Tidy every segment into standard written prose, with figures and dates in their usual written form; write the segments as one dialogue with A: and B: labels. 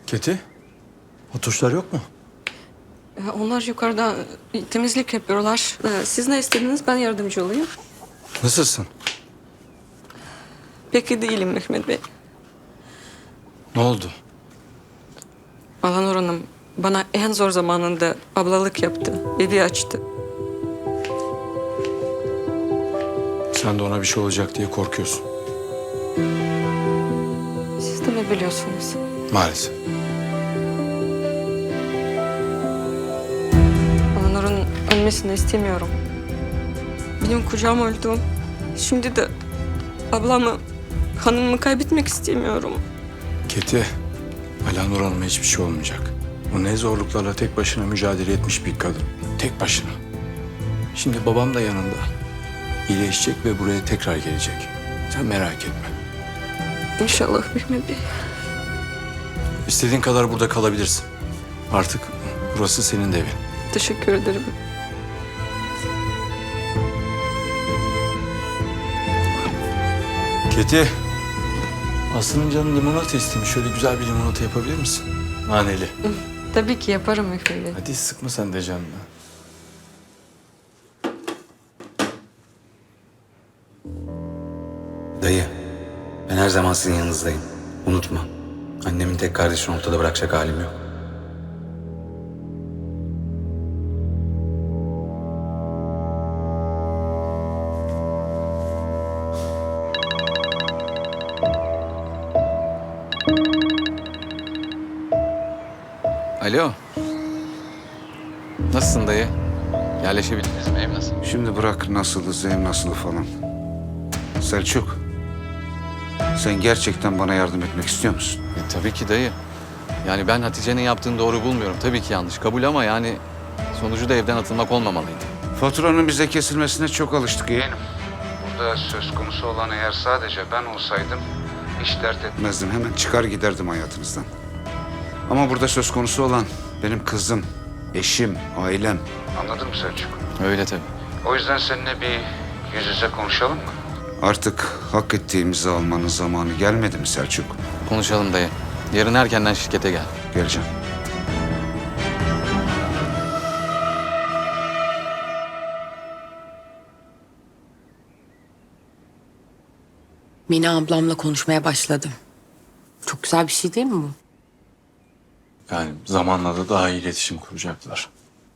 A: Keti, o tuşlar yok mu?
B: Onlar yukarıda temizlik yapıyorlar. Siz ne istediniz? Ben yardımcı olayım.
A: Nasılsın?
B: Pek iyi değilim Mehmet Bey.
A: Ne oldu?
B: Alanur Hanım bana en zor zamanında ablalık yaptı. Evi açtı.
A: Sen de ona bir şey olacak diye korkuyorsun.
B: Siz de mi biliyorsunuz?
A: Maalesef.
B: Alanur'un ölmesini istemiyorum. Benim kocam öldü. Şimdi de ablamı, hanımımı kaybetmek istemiyorum.
A: Keti, Alanur Hanım'a hiçbir şey olmayacak. O ne zorluklarla tek başına mücadele etmiş bir kadın. Tek başına. Şimdi babam da yanında. İyileşecek ve buraya tekrar gelecek. Sen merak etme.
B: İnşallah Mehmet Bey.
A: İstediğin kadar burada kalabilirsin. Artık burası senin de evin.
B: Teşekkür ederim.
A: Keti, Aslı'nın canı limonata istemiş. Şöyle güzel bir limonata yapabilir misin? Naneli.
B: Tabii ki yaparım Mehmet Bey.
A: Hadi sıkma sen de canını.
C: Dayı, ben her zaman sizin yanınızdayım. Unutma. Annemin tek kardeşini ortada bırakacak halim yok.
D: Alo. Nasılsın dayı? Yerleşebildiniz mi? Ev nasıl?
E: Şimdi bırak nasılız, ev nasıl falan. Selçuk, sen gerçekten bana yardım etmek istiyor musun?
D: Tabii ki dayı. Yani ben Hatice'nin yaptığını doğru bulmuyorum. Tabii ki yanlış. Kabul ama yani sonucu da evden atılmak olmamalıydı.
E: Faturanın bize kesilmesine çok alıştık yeğenim. Burada söz konusu olan eğer sadece ben olsaydım hiç dert etmezdim. Hemen çıkar giderdim hayatınızdan. Ama burada söz konusu olan benim kızım, eşim, ailem. Anladın mı Selçuk?
D: Öyle tabii.
E: O yüzden seninle bir yüz yüze konuşalım mı? Artık hak ettiğimizi almanın zamanı gelmedi mi Selçuk?
D: Konuşalım dayı. Yarın erkenden şirkete gel.
E: Geleceğim.
F: Mina ablamla konuşmaya başladım. Çok güzel bir şey değil mi bu?
A: Yani zamanla da daha iyi iletişim kuracaklar.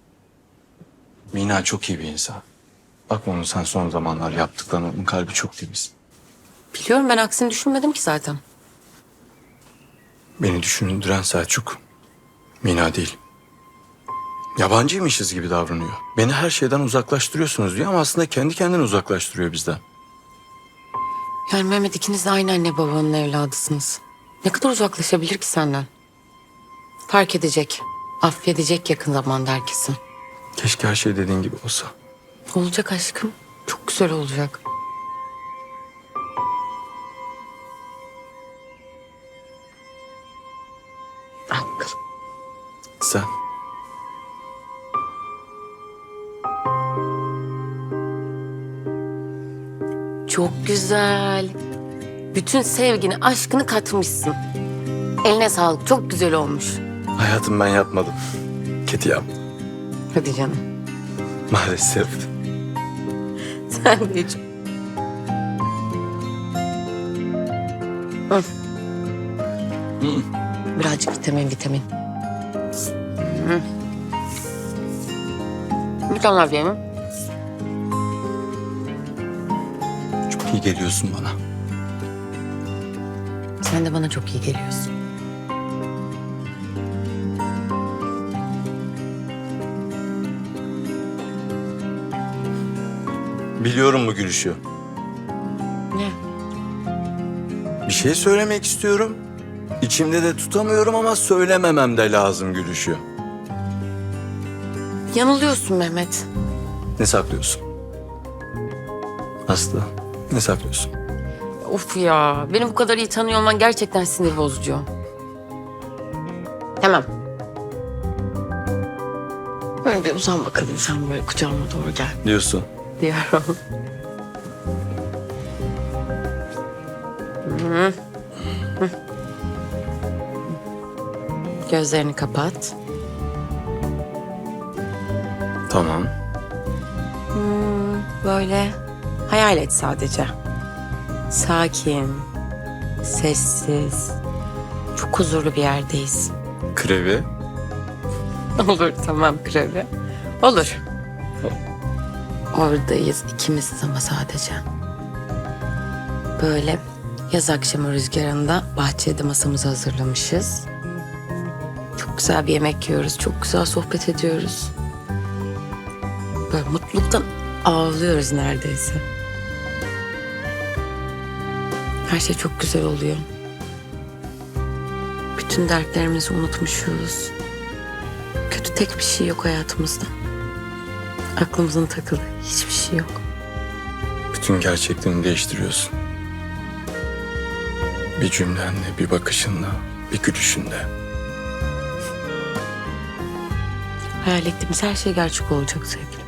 A: Mina çok iyi bir insan. Bak onun sen son zamanlar yaptıklarını, onun kalbi çok temiz.
F: Biliyorum, ben aksini düşünmedim ki zaten.
A: Beni düşündüren Selçuk, Mina değil. Yabancıymışız gibi davranıyor. Beni her şeyden uzaklaştırıyorsunuz diyor ama aslında kendi kendini uzaklaştırıyor bizden.
F: Yani Mehmet, ikiniz de aynı anne babanın evladısınız. Ne kadar uzaklaşabilir ki senden? Fark edecek, affedecek yakın zamanda herkesi.
A: Keşke her şey dediğin gibi olsa.
F: Olacak aşkım. Çok güzel olacak. Al.
A: Sen?
F: Çok güzel. Bütün sevgini, aşkını katmışsın. Eline sağlık. Çok güzel olmuş.
A: Hayatım ben yapmadım. Keti yap.
F: Hadi canım.
A: Maalesef.
F: Sen de hiç. Hı. Birazcık vitamin. Hı. Bir tane daha yiyeyim mi?
A: Çok iyi geliyorsun bana.
F: Sen de bana çok iyi geliyorsun.
A: Biliyorum bu gülüşü.
F: Ne?
A: Bir şey söylemek istiyorum. İçimde de tutamıyorum ama söylememem de lazım gülüşü.
F: Yanılıyorsun Mehmet.
A: Ne saklıyorsun? Aslı, ne saklıyorsun?
F: Of ya, beni bu kadar iyi tanıyor olman gerçekten sinir bozucu. Tamam. Böyle bir uzan bakalım, sen böyle kucağıma doğru gel
A: Diyorsun.
F: diyorum. Gözlerini kapat.
A: Tamam.
F: Böyle hayal et sadece. Sakin, sessiz, çok huzurlu bir yerdeyiz.
A: Krevi.
F: Olur, tamam Krevi. Olur. Oradayız ikimiziz ama sadece. Böyle yaz akşamı rüzgarında bahçede masamızı hazırlamışız. Çok güzel bir yemek yiyoruz, çok güzel sohbet ediyoruz. Böyle mutluluktan ağlıyoruz neredeyse. Her şey çok güzel oluyor. Bütün dertlerimizi unutmuşuz. Kötü tek bir şey yok hayatımızda. Aklımızın takılı hiçbir şey yok.
A: Bütün gerçekliğini değiştiriyorsun. Bir cümlenle, bir bakışınla, bir gülüşünle.
F: Hayal ettiğimiz her şey gerçek olacak sevgilim.